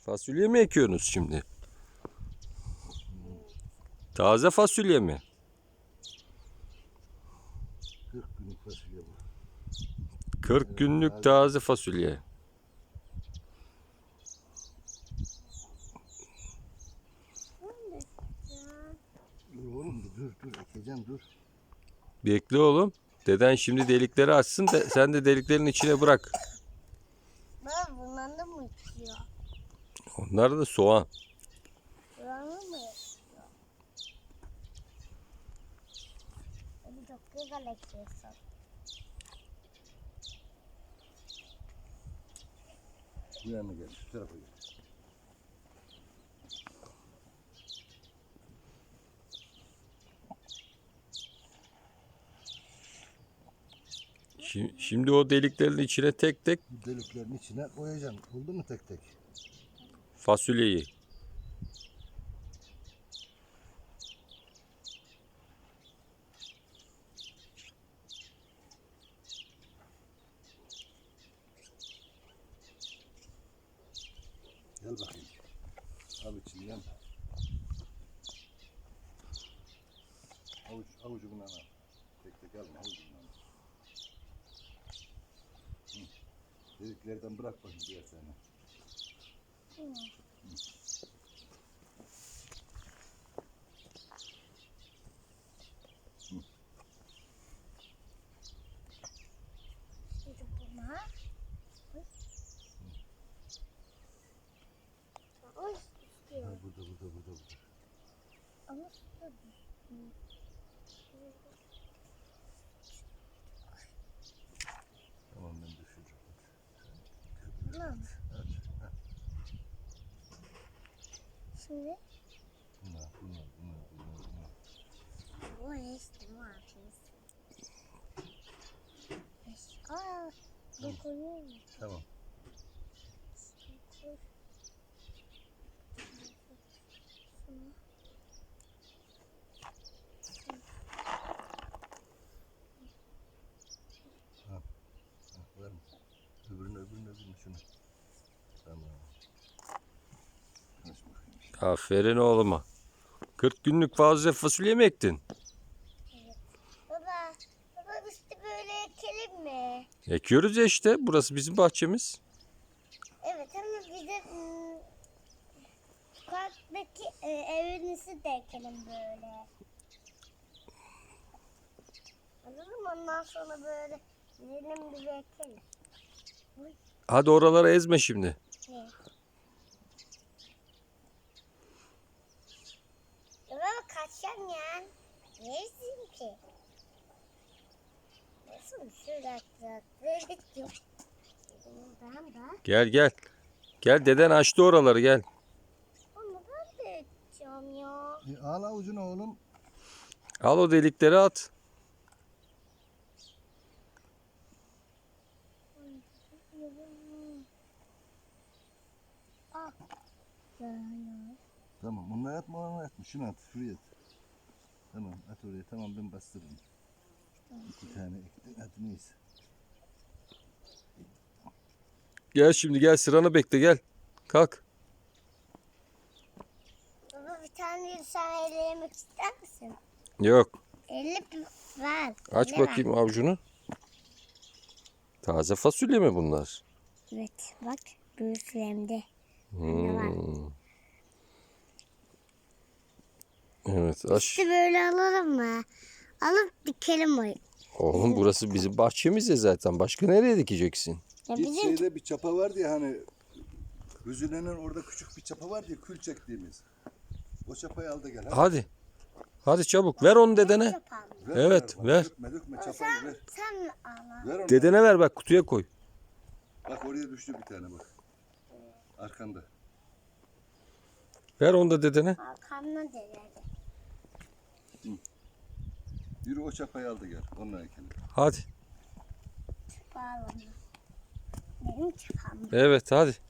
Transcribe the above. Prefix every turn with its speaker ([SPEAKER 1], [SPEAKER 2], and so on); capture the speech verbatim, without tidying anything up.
[SPEAKER 1] Fasulye mi ekiyorsunuz şimdi? Taze fasulye mi?
[SPEAKER 2] kırk günlük fasulye bu.
[SPEAKER 1] kırk günlük taze fasulye.
[SPEAKER 2] Dur oğlum dur dur ekeceğim dur.
[SPEAKER 1] Bekle oğlum. Deden şimdi delikleri açsın da sen de deliklerin içine bırak.
[SPEAKER 3] Ben bundan da mı içiyor?
[SPEAKER 1] Onlar da soğan.
[SPEAKER 3] Buranı mı yaşıyor? Hadi çok güzel ekiyorsun.
[SPEAKER 2] Bu yana gel şu tarafa gel.
[SPEAKER 1] Şi- Şimdi o deliklerin içine tek tek
[SPEAKER 2] Bu deliklerin içine koyacağım. Oldu mu tek tek?
[SPEAKER 1] fasulyeyi.
[SPEAKER 2] Gel bakayım. Al içinden. Avuç, avucundan al. Tek tek alma avucundan al. Hı. Deliklerden bırak bakayım diğer tane.
[SPEAKER 3] Hı. Şimdi buna. Oy, istiyor.
[SPEAKER 2] Ha, burada burada burada burada.
[SPEAKER 3] Ama suda düştü.
[SPEAKER 2] Tamam ben düşüreceğim.
[SPEAKER 3] Tamam.
[SPEAKER 2] Hadi. Ha.
[SPEAKER 3] Şimdi
[SPEAKER 2] Bunlar bunlar bunlar bunlar. bunlar.
[SPEAKER 3] bu işte ne yapayım? Aa, bu koyuyor mu?
[SPEAKER 2] Tamam.
[SPEAKER 3] Koy. Şunu.
[SPEAKER 2] Ha, var mı? Öbürünü öbürünü öbürünü şunu. Tamam. Aç bakayım.
[SPEAKER 1] Aferin oğluma. kırk günlük taze fasulye mi ektin?
[SPEAKER 3] Baba, baba işte böyle ekelim mi?
[SPEAKER 1] Ekiyoruz ya işte. Burası bizim bahçemiz.
[SPEAKER 3] Evet ama bize ım, sokaktaki e, evinizi de ekelim böyle. Anladın mı? Ondan sonra böyle gidelim bir ekelim. Uy,
[SPEAKER 1] Hadi oraları ezme şimdi.
[SPEAKER 3] ne? Ya baba kaçacağım ya. Neresin ki? Nasıl sürekli yok. Buradan da.
[SPEAKER 1] Gel gel. Gel deden açtı oraları gel.
[SPEAKER 3] Ama ben de edeceğim ya.
[SPEAKER 2] E, al avucunu oğlum.
[SPEAKER 1] Al o delikleri at.
[SPEAKER 3] Ah. Ya, ya.
[SPEAKER 2] Tamam onu atma onu atma. Şunu at şuraya at. Tamam at oraya tamam ben bastırırım. İki tane ektin hadi neyse.
[SPEAKER 1] Gel şimdi gel sıranı bekle gel. Kalk.
[SPEAKER 3] Baba bir tane sen elle yemek ister misin?
[SPEAKER 1] Yok.
[SPEAKER 3] Elle bir ver.
[SPEAKER 1] Aç
[SPEAKER 3] elle ver.
[SPEAKER 1] bakayım avucunu. Taze fasulye mi bunlar?
[SPEAKER 3] Evet bak büyüklerimde.
[SPEAKER 1] Hmm. Evet aç.
[SPEAKER 3] İşte böyle alalım mı? Alıp dikelim o.
[SPEAKER 1] Oğlum burası bizim bahçemiz ya zaten. Başka nereye dikeceksin?
[SPEAKER 3] Ya
[SPEAKER 2] Git
[SPEAKER 3] bizim
[SPEAKER 2] şeyde bir çapa vardı ya hani Hüzüle'nin orada küçük bir çapa vardı ya kül çektiğimiz. O çapayı al da gel. Hadi.
[SPEAKER 1] Hadi. Hadi çabuk ver onu dedene.
[SPEAKER 3] yapalım.
[SPEAKER 2] Ver,
[SPEAKER 1] Evet,
[SPEAKER 2] bak,
[SPEAKER 1] ver.
[SPEAKER 2] Dökme dökme çapayı ver.
[SPEAKER 3] Sen al.
[SPEAKER 2] Ver onu.
[SPEAKER 1] Dedene ver bak kutuya koy.
[SPEAKER 2] Bak oraya düştü bir tane bak. Arkanda.
[SPEAKER 1] Ver onu da dedene.
[SPEAKER 3] Arkamdan derlerdi.
[SPEAKER 2] Yürü o çapayı al da gel. Onunla ekelim.
[SPEAKER 1] Hadi.
[SPEAKER 3] Bağlama. Benim çıkam.
[SPEAKER 1] Evet hadi.